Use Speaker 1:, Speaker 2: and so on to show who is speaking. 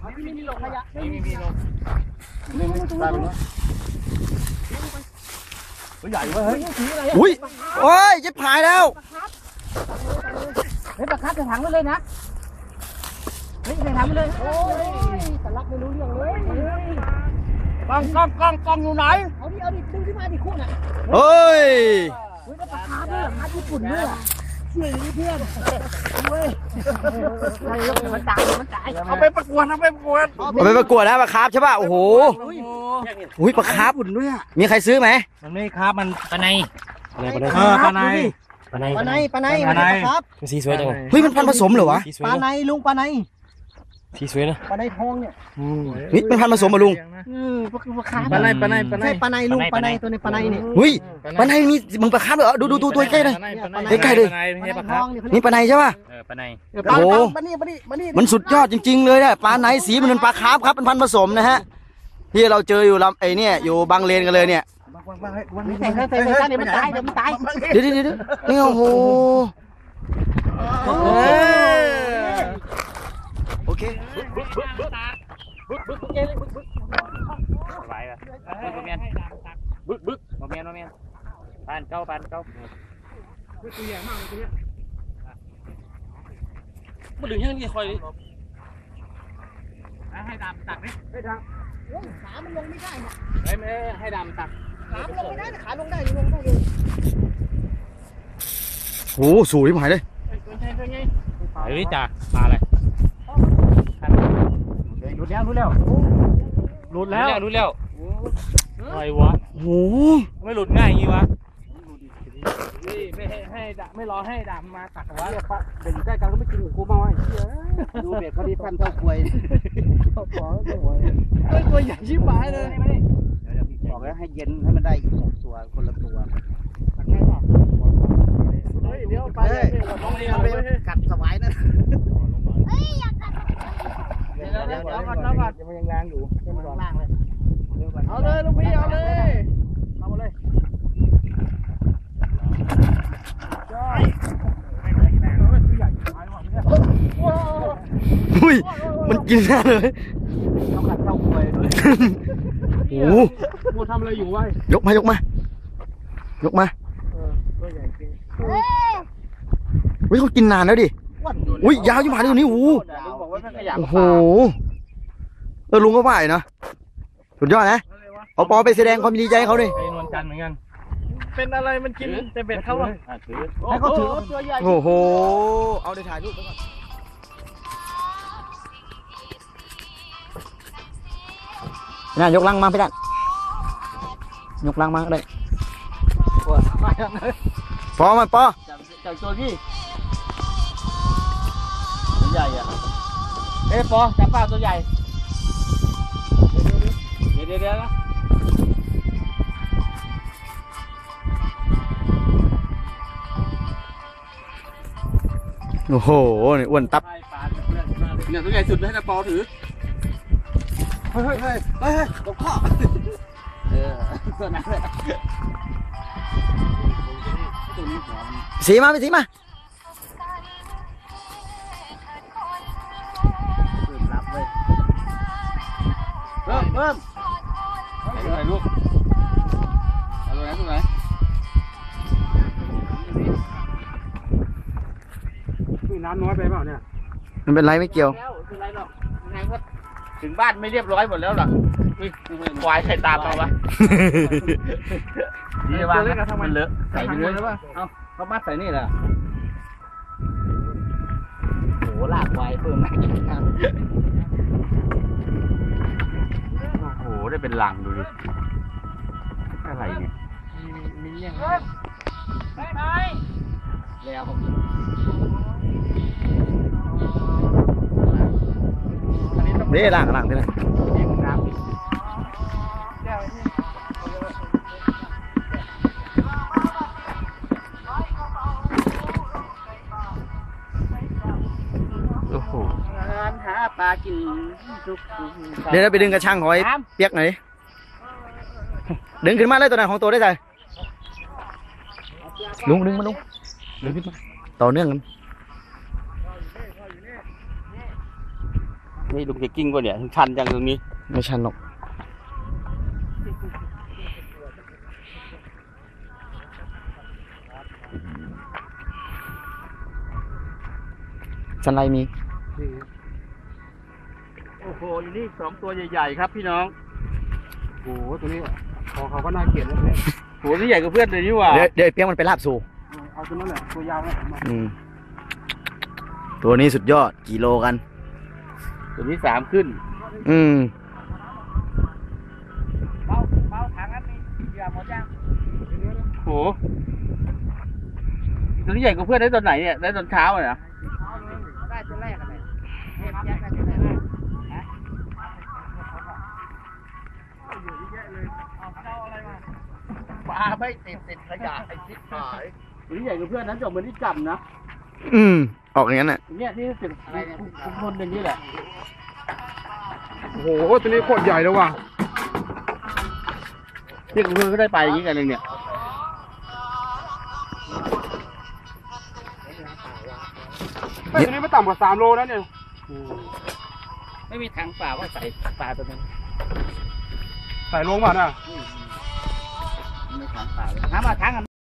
Speaker 1: ไม่มีลงขยะไม่มีลง
Speaker 2: ได้ไหมใหญ่เว้ย
Speaker 3: อุ้ยโอ้ยจะพายแล้ว
Speaker 1: เฮ้ยปลาคับใส่ถังไปเลยนะเฮ้ยใส่ถังไปเลยโอ้ยแต่รับไม่รู้เรื่องเลยกล้องอยู่ไหนเอาดิดึงขึ้นมาดิคู่น่ะ
Speaker 3: เฮ้ย
Speaker 1: เฮ้ยปลาคับด้วยคับญี่ปุ่นด้วยช่วยเพื่อนเว้ยมันตายเอาไปประกวด
Speaker 3: เอาไปประกวดนะปลาคาร์ฟใช่ป่ะโอ้โหอุ้ยปลาคาร์ฟด้วยอ่ะมีใครซื้อไหม
Speaker 2: มันไม่ครับมันปลาใน
Speaker 3: ปลาใน
Speaker 1: ครับ
Speaker 2: สีสวยจัง
Speaker 3: เฮ้ยมันพันผสมเหรอวะ
Speaker 1: ปลาในลุงปลาใน
Speaker 2: สีสวยนะ
Speaker 1: ปลาในทองเนี่ย
Speaker 3: นี่มันพันผสมเหรอลุง
Speaker 1: ปลาในลุงปลาในตัวในปลาในเนี่ย
Speaker 3: เฮ้ยปลาในมีมึงปลาคาร์ฟเหรอดูตัวใกล้เลยใกล้เลยนี่ปลาในใช่ป่ะ
Speaker 2: ปลาใน
Speaker 3: โอ้โหมันสุดยอดจริงๆเลยเนี่ยปลาในสีมันเป็นปลาคาร์ฟครับเป็นพันผสมนะฮะที่เราเจออยู่ลำไอเนี่ยอยู่บางเลนกันเลยเนี่ย
Speaker 1: มันตายเดี๋ยวมันตาย
Speaker 3: เดี๋ยวนี่โอ้โหโอเค
Speaker 2: ไหวป่ะบึกโมเมนปานเก้าตัวใหญ่มากเลยตัวเนี้ยมาดึงยังนี่คอยให้ดำตักไหมให้ดำ
Speaker 1: ขามันลงไม่ได้เนี่ย
Speaker 2: ไม่ให้ดำตัก
Speaker 1: ขาลงไม่ได้ขาลงได้ลงได้เลย
Speaker 3: โอ้สวยหายเลย
Speaker 2: ไอ้นี่จ่ามาอะไรรู้แล้วอะไรวะ
Speaker 3: โอ้
Speaker 2: ไม่หลุดง่ายอย่างนี้วะไม่ไม่รอให้ดำมาตักวะ
Speaker 1: เด็กใกล้กันก็ไม่กินกูมาไอ้ดูเบ็ดพอดีฟันเท่าควยตัวใหญ่ชิบหายเลย
Speaker 4: บอกแล้วให้เย็นให้มันได้2 ตัวคนละตัว
Speaker 1: เดี๋ยวไป
Speaker 4: กัดสวายนะ
Speaker 1: เดี๋ยวก่อนมันยังแรงอยู่มันล่างเลยเอาเลยลุงพี่เอาเลยเอาหมดเลย
Speaker 3: อุ้ยมันกินแน่เลย
Speaker 1: ต้องกัดเท่าควย
Speaker 3: โอ้
Speaker 1: โหทำอะไรอยู่วะ
Speaker 3: ยกมาตัวใหญ่จริงเฮ้ยเขากินนานแล้วดิอุ้ยยาวยิ่งผ่านตรงนี้โอ้โหลุงก็ว่านะสุดยอดนะเอาปอไปแสดงความดีใจเขาเลย
Speaker 2: ไอ้นวลจันทร์เหมือนกัน
Speaker 1: เป็นอะไรมันกินแต่เบ็ดเขา
Speaker 3: ให้เขาถือตัวใหญ่โอ้โหเอาได้ถ่ายรูปไปก่อนน่ายกลังมาพี่ดันยกลังมาเลยปอมาปอ
Speaker 1: จากตัวพี่ใหญ่อะ
Speaker 2: ปอจับปลาตัวใหญ่เดี๋ยวนะ
Speaker 3: โอ้โหนี่อ้วนตับ
Speaker 2: เนี่ยตัวใหญ่สุดให้ปอถือ
Speaker 3: เฮ้ยตกข้อ
Speaker 4: ตัวนั้นเลย
Speaker 3: สีมา
Speaker 4: รับเลย
Speaker 2: เพิ่มไหนลูกตัวไหน
Speaker 1: นี่น้ำน้อยไปเปล่าเนี่ย
Speaker 3: มันเป็นไรไม่เกี่ยว
Speaker 2: ถึงบ้านไม่เรียบร้อยหมดแล้วหรอควายใครตามเราวะนี่ว่ามันเลอะใส่เนื้อหรือเปล่าเขามัดใส่นี่แหละ
Speaker 4: โหลากไว้เพิ่มมาอีกครับ
Speaker 2: โอ้โหได้เป็นหลังดูดิอะไรเนี่ย
Speaker 1: มีเงี้ย
Speaker 4: แล้ว
Speaker 3: นี่หลังนี่นะ
Speaker 2: โอ้โห
Speaker 4: หาปลากิน
Speaker 3: เดี๋ยวเราไปดึงกระชังหอยเปียกหน่อยดึงขึ้นมาเลยตัวไหนของตัวได้ใจลุงดึงมาลุงดึงขึ้นมาต่อเนื่องกัน
Speaker 4: นี่ลุงจะกิ้งป่ะเนี่ยชันจังตรงนี้
Speaker 3: ไม่ชันหรอกสันไรมี
Speaker 4: โอ้โหอยู่นี่2 ตัวใหญ่ๆครับพี่น้อง
Speaker 1: โอ้โหตัวนี้คอเขาก็น่าเกลียดเลย
Speaker 4: โหนี่ใหญ่กว่าเพื่อนเลยนี่หว่า
Speaker 3: เดี๋ยวไอ้เปียกมันไปลาบสู่
Speaker 1: เอาตัวนั้นแหละตัวยาวนะ
Speaker 3: ตัวนี้สุดยอดกี่โลกัน
Speaker 4: ตัวนี้3 ขึ้น
Speaker 2: เบาถังนั้นมีเหยื่อหมดยัง
Speaker 4: โหตัวนี้ใหญ่กว่าเพื่อนได้ตอนไหนเนี่ยได้ตอนเช้าเลยนะ
Speaker 2: ได้ตัวแรกอะไรเห็นยังได้ตัวแรกฮะปลาไม่ติดขยะไอ้ชิบหาย
Speaker 4: ตัวนี้ใหญ่กว่าเพื่อนนั้นจบเหมือนที่จับนะ
Speaker 3: ออกอย่างนั้นน่ะ
Speaker 4: เนี่ยที่เป็นคนอย่างนี้แหละ
Speaker 1: โอ้โหตัวนี้โคตรใหญ่เลยว่ะ
Speaker 4: เรียกเพื่อนก็ได้ไปอย่างนี้กันเลยเนี่ย
Speaker 1: ตัวนี้ไม่ต่ำกว่า3 โลนะเนี่ย
Speaker 2: ไม่มีถังเปล่าว่าใส่ปลาตัวนึง
Speaker 1: ใส่ลงมาน่ะ
Speaker 2: ไม่ถังเปล่าเลยน้ำมาถัง